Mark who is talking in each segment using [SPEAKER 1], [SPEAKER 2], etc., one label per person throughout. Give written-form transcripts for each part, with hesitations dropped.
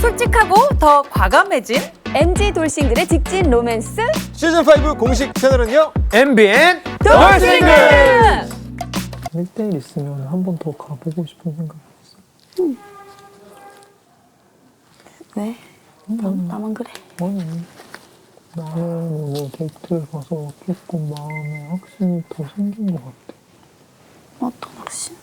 [SPEAKER 1] 솔직하고 더 과감해진
[SPEAKER 2] MZ 돌싱글의 직진 로맨스
[SPEAKER 3] 시즌5 공식 채널은요.
[SPEAKER 4] MBN
[SPEAKER 1] 돌싱글!
[SPEAKER 5] 1대1 있으면 한 번 더 가보고 싶은 생각이 있어.
[SPEAKER 6] 왜? 나만 그래?
[SPEAKER 5] 아니, 나는 오늘 데이트를 가서 조금 마음에 확신이 더 생긴 것 같아.
[SPEAKER 6] 어떤 확신?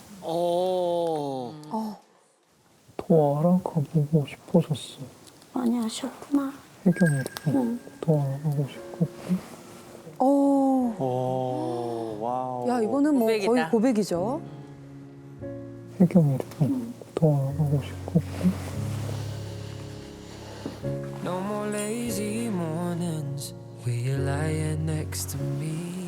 [SPEAKER 5] 더 알아가보고 싶어졌어.
[SPEAKER 6] 많이 아쉬웠구나.
[SPEAKER 5] 혜경이도 더 알아가고 싶었고.
[SPEAKER 3] 와우.
[SPEAKER 2] 야 이거는 뭐
[SPEAKER 1] 고백이다.
[SPEAKER 2] 거의 고백이죠.
[SPEAKER 5] 혜경이도 더 알아가고 싶었고.
[SPEAKER 7] No more lazy mornings where you're lying next to me.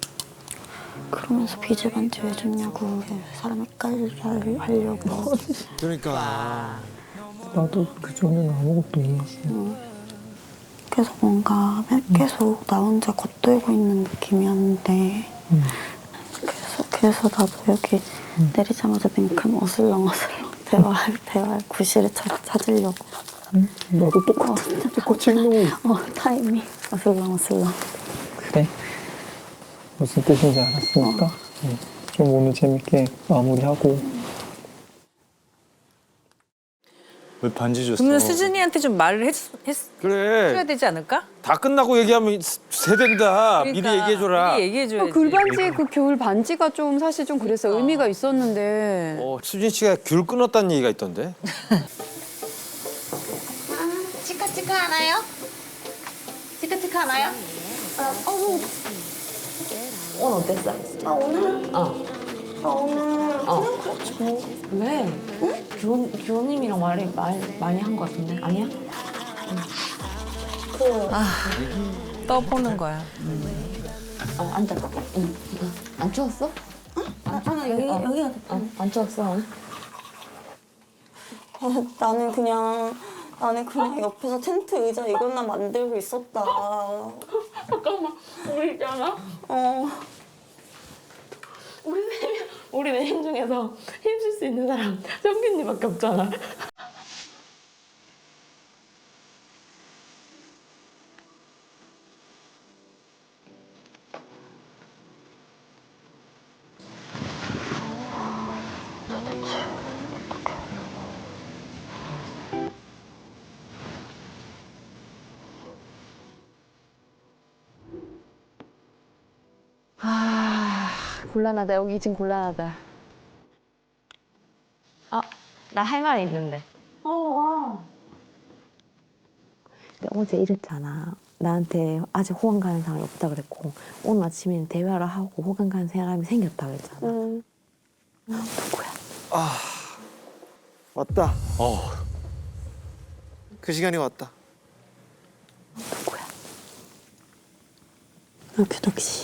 [SPEAKER 6] 그러면서 비즈 반지 왜 줬냐고 사람 헷갈리게 하려고.
[SPEAKER 3] 그러니까.
[SPEAKER 5] 나도 그전에는 아무것도 몰랐어.
[SPEAKER 6] 계속 뭔가 계속 나 혼자 겉돌고 있는 느낌이었는데 그래서 나도 여기 내리자마자 맹큼 어슬렁어슬렁 대화할 구실을 찾으려고.
[SPEAKER 5] 나도 똑같이 행동을
[SPEAKER 6] 타이밍 어슬렁어슬렁.
[SPEAKER 5] 그래? 무슨 뜻인지 알았으니까 좀 오늘 재밌게 마무리하고.
[SPEAKER 3] 왜 반지 줬어?
[SPEAKER 1] 그러면 수진이한테 좀 말을 해줘야
[SPEAKER 3] 그래.
[SPEAKER 1] 되지 않을까?
[SPEAKER 3] 다 끝나고 얘기하면 세된다. 미리 얘기해줘라.
[SPEAKER 1] 미리 얘기해줘야지.
[SPEAKER 2] 귤반지 그 겨울 반지가 좀 사실 좀 그래서 의미가 있었는데.
[SPEAKER 3] 수진 씨가 귤 끊었다는 얘기가 있던데.
[SPEAKER 8] 치카치카 하나요? 치카치카 하나요?
[SPEAKER 6] 오늘 어땠어? 나 오늘? 나 오늘 그냥 그렇지.
[SPEAKER 9] 왜? 응? 규호님이랑 말 많이 한 거 같은데? 아니야?
[SPEAKER 1] 떠보는 거야.
[SPEAKER 9] 앉아. 응. 안 추웠어?
[SPEAKER 6] 여기가
[SPEAKER 9] 안 추웠어?
[SPEAKER 6] 나는 그냥 옆에서 텐트 의자 이것만 만들고 있었다.
[SPEAKER 9] 잠깐만. 우리 있잖아. 우리 4명 중에서 힘쓸 수 있는 사람 정균님밖에 없잖아. 곤란하다. 여기 지금 곤란하다. 나 할 말이 있는데. 근데 어제 이랬잖아. 나한테 아직 호감 가는 사람이 없다 그랬고 오늘 아침에는 대화를 하고 호감 가는 사람이 생겼다 그랬잖아. 누구야?
[SPEAKER 3] 왔다. 그 시간이 왔다.
[SPEAKER 6] 누구야? 나 규덕 씨.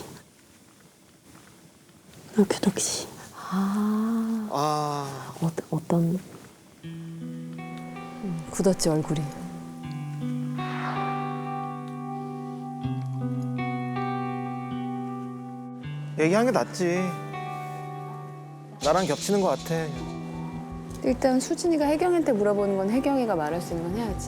[SPEAKER 9] 어떤
[SPEAKER 2] 굳었지 얼굴이.
[SPEAKER 3] 얘기한 게 낫지. 나랑 겹치는 것 같아.
[SPEAKER 2] 일단 수진이가 혜경이한테 물어보는 건 혜경이가 말할 수 있는 건 해야지.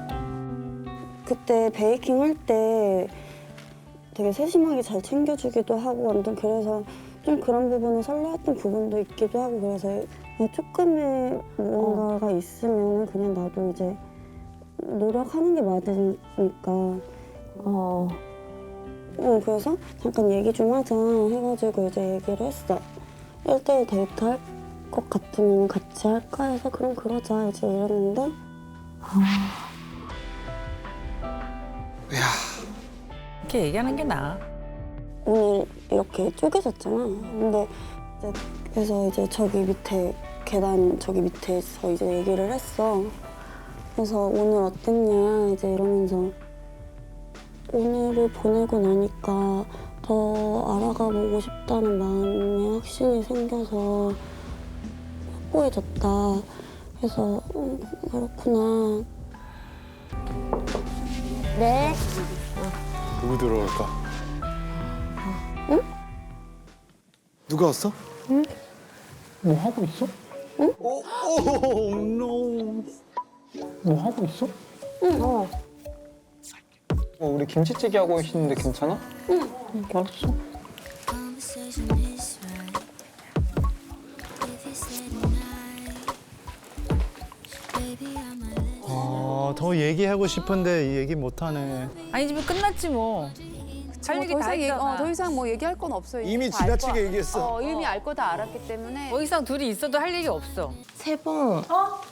[SPEAKER 6] 그때 베이킹 할 때 되게 세심하게 잘 챙겨주기도 하고 완전 그래서 좀 그런 부분에 설레었던 부분도 있기도 하고 그래서 조금의 무언가가 있으면 그냥 나도 이제 노력하는 게 맞으니까 그래서 잠깐 얘기 좀 하자 해가지고 이제 얘기를 했어. 1대1 데이트 할 것 같으면 같이 할까 해서 그럼 그러자 이제 이랬는데
[SPEAKER 1] 이렇게 얘기하는 게 나아.
[SPEAKER 6] 오늘 이렇게 쪼개졌잖아. 근데 이제 그래서 이제 저기 밑에 계단 저기 밑에서 이제 얘기를 했어. 그래서 오늘 어땠냐 이제 이러면서 오늘을 보내고 나니까 더 알아가 보고 싶다는 마음에 확신이 생겨서 확고해졌다. 그래서 그렇구나.
[SPEAKER 9] 네.
[SPEAKER 3] 누구 들어올까? 누가 왔어?
[SPEAKER 5] 뭐 하고 있어?
[SPEAKER 3] 오, 노.
[SPEAKER 5] 뭐 하고 있어?
[SPEAKER 9] 응.
[SPEAKER 5] 우리 김치찌개 하고 계시는데 괜찮아? 응. 알았어.
[SPEAKER 4] 더 얘기하고 싶은데 이 얘기 못하네.
[SPEAKER 1] 아니 집에 끝났지 뭐. 할 얘기 다 했잖아.
[SPEAKER 2] 더 이상 뭐 얘기할 건 없어요.
[SPEAKER 3] 이미
[SPEAKER 2] 다알
[SPEAKER 3] 지나치게
[SPEAKER 2] 거-
[SPEAKER 3] 얘기했어.
[SPEAKER 2] 이미 알 거 다 알았기 때문에.
[SPEAKER 1] 더 이상 둘이 있어도 할 얘기 없어.
[SPEAKER 9] 세번.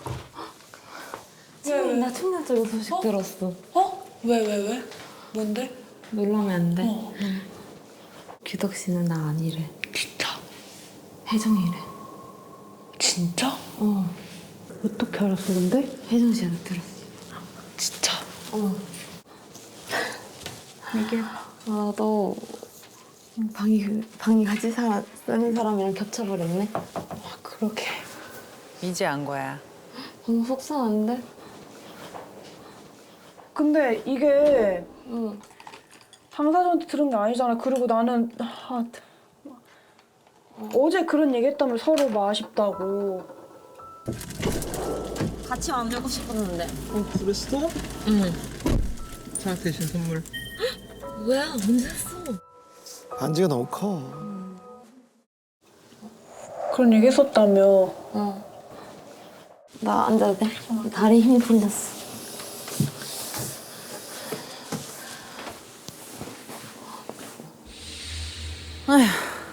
[SPEAKER 9] 지금 나 충격적인 소식 들었어.
[SPEAKER 10] 왜? 뭔데?
[SPEAKER 9] 놀라면 안 돼. 규덕 씨는 나 아니래.
[SPEAKER 10] 진짜?
[SPEAKER 9] 혜정이래.
[SPEAKER 10] 진짜?
[SPEAKER 9] 어떻게 알았어 근데? 혜정 씨한테 들었어.
[SPEAKER 10] 진짜?
[SPEAKER 9] 이게 너 방이 같이 쓰는 사람이랑 겹쳐버렸네.
[SPEAKER 10] 그러게.
[SPEAKER 1] 이제 안 거야.
[SPEAKER 9] 너무 속상한데?
[SPEAKER 10] 근데 이게
[SPEAKER 9] 응.
[SPEAKER 10] 당사자한테 들은 게 아니잖아. 그리고 나는 어제 그런 얘기 했다면 서로 뭐 아쉽다고.
[SPEAKER 9] 같이 만들고 싶었는데.
[SPEAKER 5] 그랬어?
[SPEAKER 9] 응.
[SPEAKER 5] 자, 대신 선물.
[SPEAKER 9] 뭐야? 언제 했어?
[SPEAKER 3] 반지가 너무 커.
[SPEAKER 10] 그런 얘기 했었다며.
[SPEAKER 9] 나 앉아도 돼? 다리 힘이 풀렸어.
[SPEAKER 1] 아휴.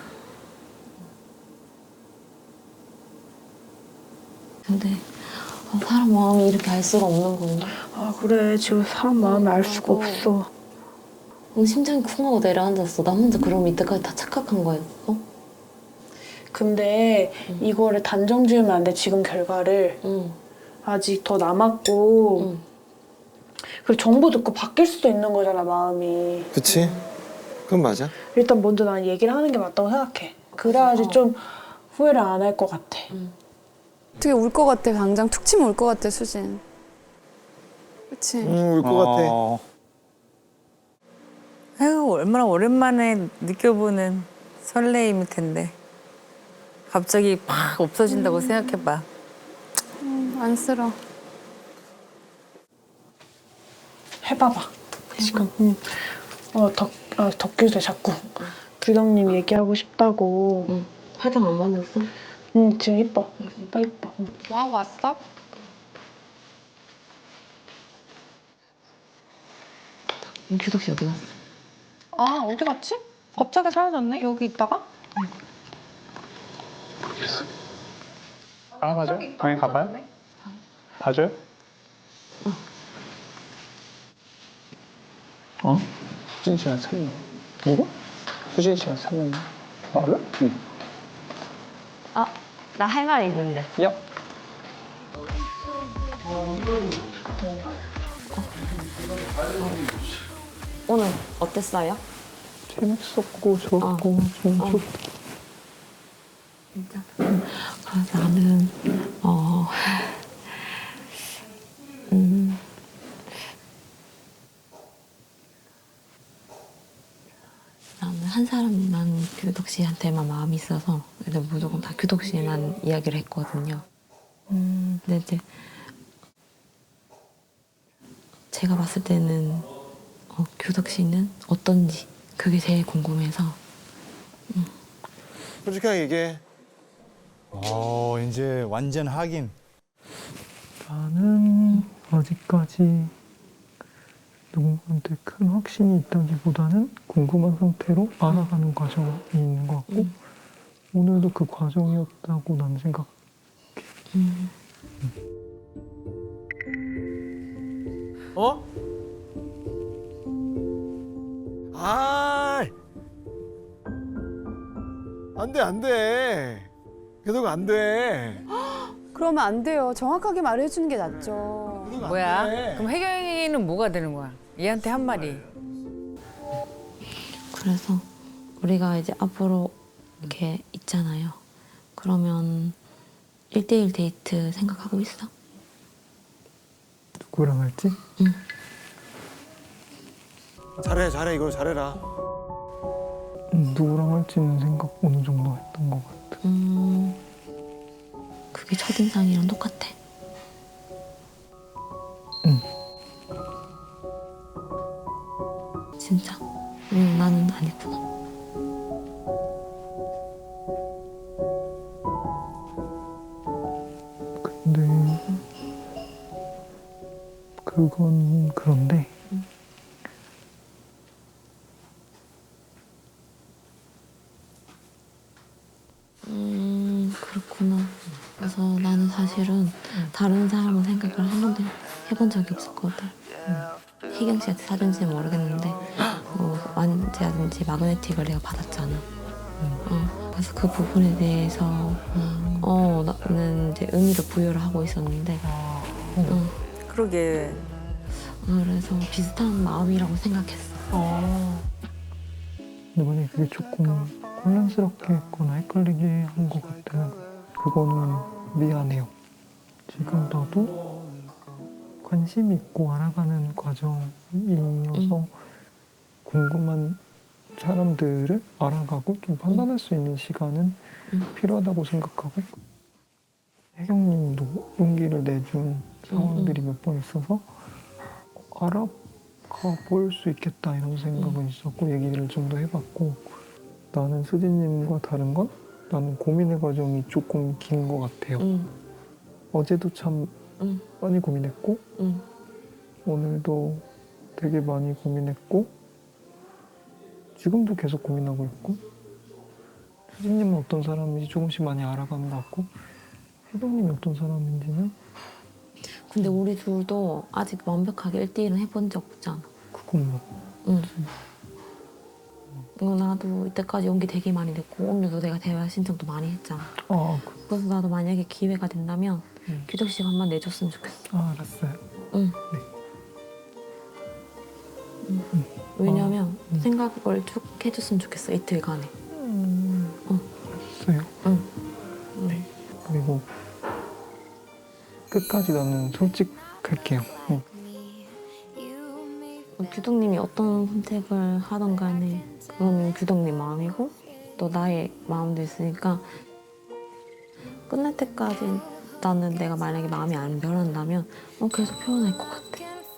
[SPEAKER 9] 근데 사람 마음이 이렇게 알 수가 없는 건데.
[SPEAKER 10] 아 그래. 지금 사람 마음을 알 수가 없어.
[SPEAKER 9] 심장이 쿵 하고 내려앉았어. 나 혼자 그럼 이때까지 다 착각한 거였어?
[SPEAKER 10] 근데 이거를 단정 지으면 안 돼. 지금 결과를.
[SPEAKER 9] 응.
[SPEAKER 10] 아직 더 남았고.
[SPEAKER 9] 응.
[SPEAKER 10] 그리고 정보 듣고 바뀔 수도 있는 거잖아, 마음이.
[SPEAKER 3] 그치? 그건 맞아.
[SPEAKER 10] 일단 먼저 난 얘기를 하는 게 맞다고 생각해. 그래야지 좀 후회를 안 할 것 같아.
[SPEAKER 2] 어떻게 울 것 같아. 당장 툭 치면 울 것 같아 수진. 그치?
[SPEAKER 3] 울 것 같아.
[SPEAKER 1] 아유 얼마나 오랜만에 느껴보는 설레임일 텐데. 갑자기 팍 없어진다고 생각해봐.
[SPEAKER 2] 안쓰러.
[SPEAKER 10] 해봐봐. 지금. 덕규도 자꾸 규덕님 얘기하고 싶다고.
[SPEAKER 9] 응. 화장 안 받았어?
[SPEAKER 10] 응, 지금 이뻐. 이뻐.
[SPEAKER 2] 와 왔어?
[SPEAKER 9] 규덕 씨 어디 갔어?
[SPEAKER 10] 아, 어디 갔지? 갑자기 사라졌네? 여기 있다가?
[SPEAKER 5] 맞아요? 방에 가봐요? 봐줘요? 수진 씨랑 사귀어. 누구? 수진 씨랑 사귀어. 아, 그래? 응.
[SPEAKER 9] 나 할 말 있는데.
[SPEAKER 5] 야.
[SPEAKER 9] 오늘 어땠어요?
[SPEAKER 5] 재밌었고 좋았고 좀 좋다.
[SPEAKER 9] 진짜. 그래서 나는 나는 한 사람만 규덕 씨한테만 마음이 있어서 그래서 무조건 다 규덕 씨만 이야기를 했거든요. 근데 이제 제가 봤을 때는 규덕 씨는 어떤지 그게 제일 궁금해서.
[SPEAKER 3] 솔직하게 얘기해.
[SPEAKER 4] 이제 완전 확인.
[SPEAKER 5] 나는 아직까지 누군가한테 큰 확신이 있다기보다는 궁금한 상태로 알아가는 과정이 있는 것 같고 오늘도 그 과정이었다고 난 생각.
[SPEAKER 3] 어? 아, 안 돼. 계속 안 돼.
[SPEAKER 2] 그러면 안 돼요. 정확하게 말해주는 게 낫죠.
[SPEAKER 1] 뭐야?
[SPEAKER 3] 돼.
[SPEAKER 1] 그럼 혜경이는 뭐가 되는 거야? 얘한테 한 말이.
[SPEAKER 9] 그래서 우리가 이제 앞으로 이렇게 있잖아요. 그러면 1대1 데이트 생각하고 있어?
[SPEAKER 5] 누구랑 할지?
[SPEAKER 3] 잘해. 이걸 잘해라.
[SPEAKER 5] 누구랑 할지는 생각 어느 정도 했던 것 같아.
[SPEAKER 9] 그게 첫인상이랑 똑같아. 진짜. 나는 아니구나.
[SPEAKER 5] 근데 그건 그런데
[SPEAKER 9] 그렇구나. 그래서 나는 사실은 다른 사람은 생각을 한 번도 해본 적이 없었거든. 혜경 씨한테 사준지는 모르겠는데 완지라든지 마그네틱을 내가 받았잖아. 그래서 그 부분에 대해서 나는 이제 의미를 부여를 하고 있었는데
[SPEAKER 1] 그러게.
[SPEAKER 9] 그래서 비슷한 마음이라고 생각했어.
[SPEAKER 5] 근데 만약에 그게 조금 혼란스럽게 했거나 헷갈리게 한 것 같으면 그거는 미안해요. 지금 나도 관심 있고 알아가는 과정이어서 궁금한 사람들을 알아가고 좀 판단할 수 있는 시간은 필요하다고 생각하고 혜경님도 용기를 내준 상황들이 몇 번 있어서 알아가 볼 수 있겠다 이런 생각은 있었고 얘기를 좀 더 해봤고 나는 수진님과 다른 건 나는 고민의 과정이 조금 긴 것 같아요. 어제도 참 많이 고민했고 오늘도 되게 많이 고민했고 지금도 계속 고민하고 있고 수진님은 어떤 사람인지 조금씩 많이 알아가는 것 같고 혜경님이 어떤 사람인지는
[SPEAKER 9] 근데 우리 둘도 아직 완벽하게 1대1은 해본 적 없잖아.
[SPEAKER 5] 그건 뭐
[SPEAKER 9] 나도 이때까지 용기 되게 많이 냈고 오늘도 내가 대화 신청도 많이 했잖아. 그래서 나도 만약에 기회가 된다면 규정 시간만 내줬으면 좋겠어.
[SPEAKER 5] 알았어요.
[SPEAKER 9] 응.
[SPEAKER 5] 네.
[SPEAKER 9] 왜냐면 생각을 쭉 해줬으면 좋겠어 이틀간에.
[SPEAKER 5] 알았어요. 네. 그리고 끝까지 나는 솔직할게요.
[SPEAKER 9] 규동님이 어떤 선택을 하던 간에 그건 규동님 마음이고 또 나의 마음도 있으니까 끝날 때까지 나는 내가 만약에 마음이 안 변한다면 계속 표현할 것 같아.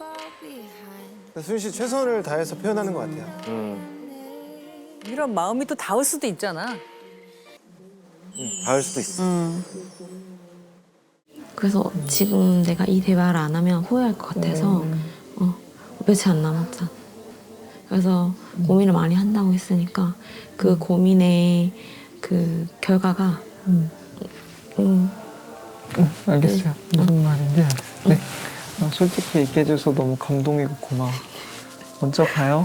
[SPEAKER 11] 수진 씨 최선을 다해서 표현하는 것 같아요.
[SPEAKER 1] 이런 마음이 또 닿을 수도 있잖아.
[SPEAKER 11] 닿을 수도 있어.
[SPEAKER 9] 그래서 지금 내가 이 대화를 안 하면 후회할 것 같아서 며칠 안 남았잖아. 그래서 고민을 많이 한다고 했으니까 그 고민의 그 결과가
[SPEAKER 5] 알겠어요. 무슨 말인지 알겠어요. 네. 솔직히 얘기해줘서 너무 감동이고 고마워. 먼저 가요.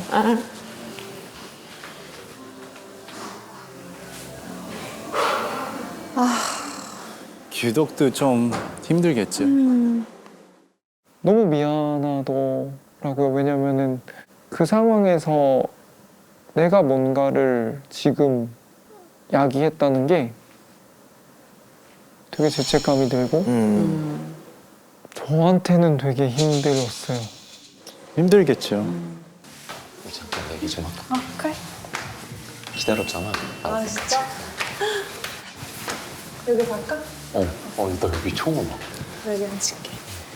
[SPEAKER 3] 규덕도 좀 힘들겠죠.
[SPEAKER 5] 너무 미안하더라고요. 왜냐면은 그 상황에서 내가 뭔가를 지금 야기했다는 게 되게 죄책감이 들고 저한테는 되게 힘들었어요.
[SPEAKER 3] 힘들겠죠.
[SPEAKER 12] 잠깐 얘기 좀 할까?
[SPEAKER 10] 그래.
[SPEAKER 12] 기다렸잖아.
[SPEAKER 10] 진짜? 여기 갈까?
[SPEAKER 12] 나 여기 처음 와.
[SPEAKER 10] 여기 앉을게.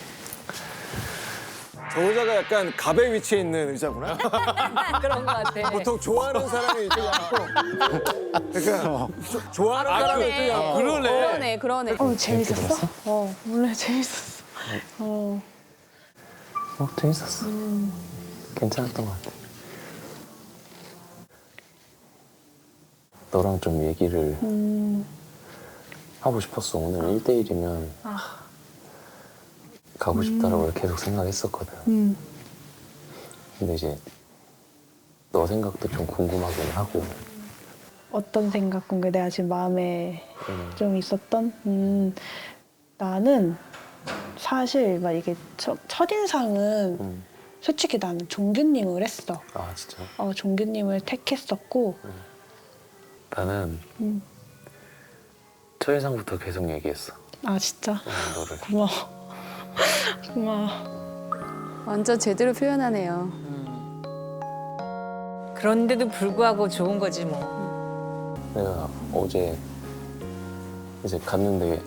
[SPEAKER 11] 저 의자가 약간 갑의 위치에 있는 의자구나.
[SPEAKER 1] 그런 것 같아.
[SPEAKER 11] 보통 좋아하는 사람이 이쪽에 앉고 그러니까 좋아하는 사람이 이쪽에 앉고
[SPEAKER 2] 그러네.
[SPEAKER 10] 재밌었어? 원래 재밌었어.
[SPEAKER 12] 재밌었어. 괜찮았던 것 같아. 너랑 좀 얘기를 하고 싶었어. 오늘 1대1이면 가고 싶다라고 계속 생각했었거든. 근데 이제 너 생각도 좀 궁금하긴 하고.
[SPEAKER 10] 어떤 생각 궁금해? 내가 지금 마음에 좀 있었던? 나는 사실 막 이게 첫인상은 솔직히 나는 종규님을 했어.
[SPEAKER 12] 아 진짜?
[SPEAKER 10] 종규님을 택했었고
[SPEAKER 12] 나는 첫인상부터 계속 얘기했어.
[SPEAKER 10] 아 진짜?
[SPEAKER 12] 너를.
[SPEAKER 10] 고마워. 고마워.
[SPEAKER 2] 완전 제대로 표현하네요.
[SPEAKER 1] 그런데도 불구하고 좋은 거지 뭐.
[SPEAKER 12] 내가 어제 이제 갔는데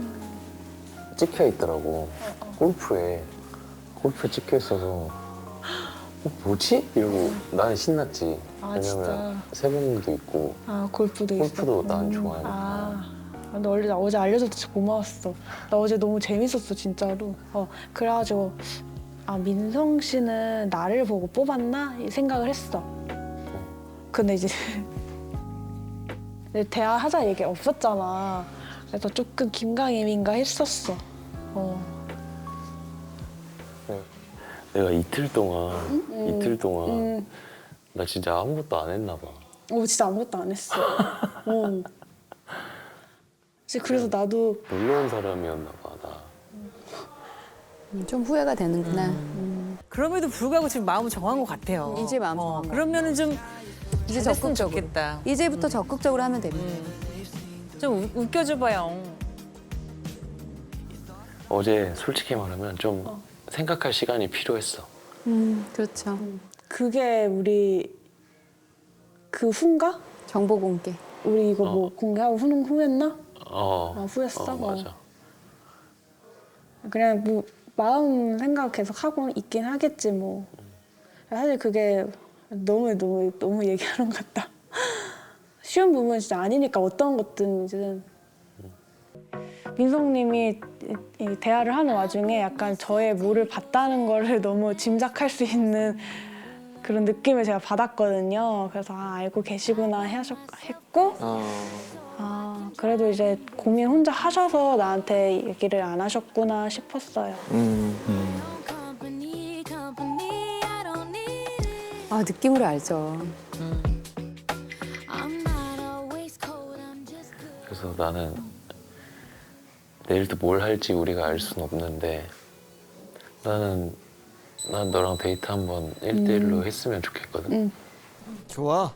[SPEAKER 12] 찍혀 있더라고. 골프에 찍혀 있어서 뭐지? 이러고 나는 신났지.
[SPEAKER 10] 아,
[SPEAKER 12] 왜냐면
[SPEAKER 10] 진짜.
[SPEAKER 12] 세봉도 있고
[SPEAKER 10] 아, 골프도 있어.
[SPEAKER 12] 골프도 난 좋아하니까.
[SPEAKER 10] 아, 근데 원래 나 어제 알려줘서 진짜 고마웠어. 나 어제 너무 재밌었어, 진짜로. 그래가지고 아, 민성 씨는 나를 보고 뽑았나? 이 생각을 했어. 근데 이제 대화하자 얘기 없었잖아. 그래서 조금 긴가민가 했었어.
[SPEAKER 12] 내가 이틀 동안 나 진짜 아무것도 안 했나 봐.
[SPEAKER 10] 진짜 아무것도 안 했어. 그래서 나도
[SPEAKER 12] 놀러 온 사람이었나 봐, 나.
[SPEAKER 2] 좀 후회가 되는구나.
[SPEAKER 1] 그럼에도 불구하고 지금 마음은 정한 것 같아요.
[SPEAKER 2] 이제 마음 정한 거.
[SPEAKER 1] 그러면은 좀
[SPEAKER 2] 이제
[SPEAKER 1] 잘했으면
[SPEAKER 2] 적극적으로.
[SPEAKER 1] 좋겠다.
[SPEAKER 2] 이제부터 적극적으로 하면 됩니다.
[SPEAKER 1] 좀 웃겨줘봐요.
[SPEAKER 12] 어제 솔직히 말하면 좀 생각할 시간이 필요했어.
[SPEAKER 2] 그렇죠.
[SPEAKER 10] 그게 우리 그 후인가?
[SPEAKER 2] 정보 공개.
[SPEAKER 10] 우리 이거 뭐 공개하고 후했나? 후했어?
[SPEAKER 12] 맞아.
[SPEAKER 10] 그냥 뭐 마음 생각 계속 하고 있긴 하겠지 뭐. 사실 그게 너무 얘기하는 것 같다. 쉬운 부분은 진짜 아니니까 어떤 것든지는. 민성님이 이 대화를 하는 와중에 약간 저의 뭐를 봤다는 거를 너무 짐작할 수 있는 그런 느낌을 제가 받았거든요. 그래서 알고 계시구나 했고 그래도 이제 고민 혼자 하셔서 나한테 얘기를 안 하셨구나 싶었어요.
[SPEAKER 2] 느낌으로 알죠.
[SPEAKER 12] 그래서 나는 내일도 뭘 할지 우리가 알 수는 없는데 난 너랑 데이트 한번 1대1로 했으면 좋겠거든.
[SPEAKER 3] 좋아.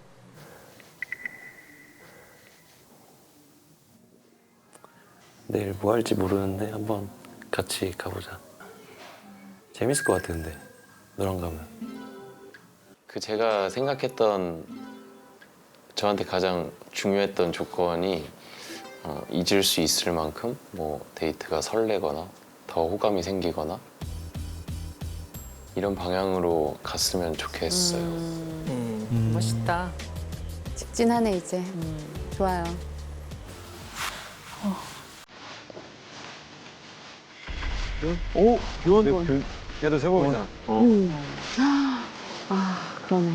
[SPEAKER 12] 내일 뭐 할지 모르는데 한번 같이 가보자. 재밌을 것 같아 근데 너랑 가면. 그 제가 생각했던 저한테 가장 중요했던 조건이 잊을 수 있을 만큼 뭐 데이트가 설레거나 더 호감이 생기거나 이런 방향으로 갔으면 좋겠어요.
[SPEAKER 1] 멋있다.
[SPEAKER 2] 직진하네 이제. 좋아요.
[SPEAKER 3] 오, 교원. 얘도 세봉이잖아.
[SPEAKER 2] 그러네.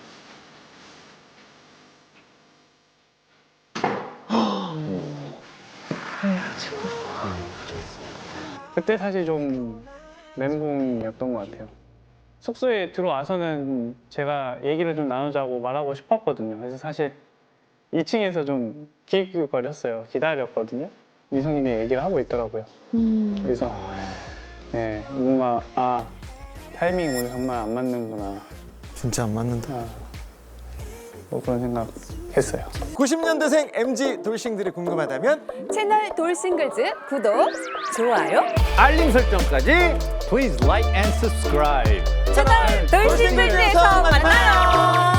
[SPEAKER 5] 그때 사실 좀 멘붕이었던 것 같아요. 숙소에 들어와서는 제가 얘기를 좀 나누자고 말하고 싶었거든요. 그래서 사실 2층에서 좀 기웃기웃거렸어요. 기다렸거든요. 미성님이 얘기를 하고 있더라고요. 그래서 네, 뭔가 타이밍이 오늘 정말 안 맞는구나.
[SPEAKER 4] 진짜 안 맞는다.
[SPEAKER 5] 뭐 그런 생각 했어요.
[SPEAKER 3] 90년대생 MZ 돌싱들이 궁금하다면
[SPEAKER 2] 채널 돌싱글즈 구독, 좋아요,
[SPEAKER 3] 알림 설정까지
[SPEAKER 4] Please like and subscribe.
[SPEAKER 1] 채널 돌싱글즈에서 만나요.